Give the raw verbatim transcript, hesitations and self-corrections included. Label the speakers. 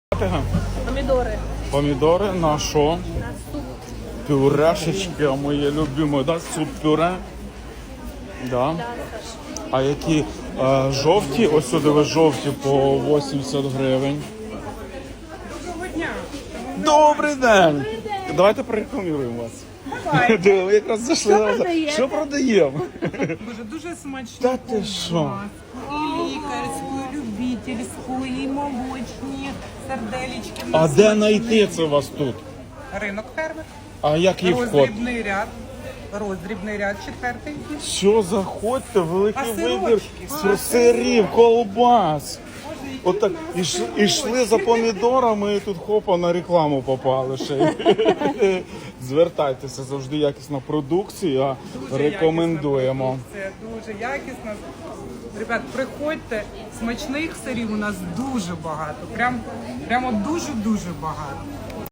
Speaker 1: Помідори.
Speaker 2: Помідори на що?
Speaker 1: На суп.
Speaker 2: Пюрешечки, моє любиме, да? Суп-пюре. Да.
Speaker 1: Да, Саш.
Speaker 2: А які е, жовті, ось сюди ви жовті по вісімдесят гривень.
Speaker 3: Доброго дня.
Speaker 2: Добрий день! Давайте порекламуємо вас. Давай. Ви якраз зайшли.
Speaker 1: Що
Speaker 2: на-
Speaker 1: продаєте?
Speaker 2: Що продаємо?
Speaker 3: Боже, дуже смачно.
Speaker 2: Та ти що?
Speaker 3: І лікарську, і любительську, і молочні, сарделечки.
Speaker 2: А де знайти це у вас тут?
Speaker 3: Ринок фермер.
Speaker 2: А який вход?
Speaker 3: Роздрібний ряд. Роздрібний ряд четвертий.
Speaker 2: Що, заходьте, великий
Speaker 3: А
Speaker 2: вибір
Speaker 3: сирочки?
Speaker 2: с- сирів, колбас. Отак іш, ішли за помідорами і тут хопа на рекламу попали ще. Звертайтеся, завжди якісна продукція, рекомендуємо.
Speaker 3: Це дуже якісно. Ребят, приходьте, смачних сирів у нас дуже багато. Прям, прямо дуже-дуже багато.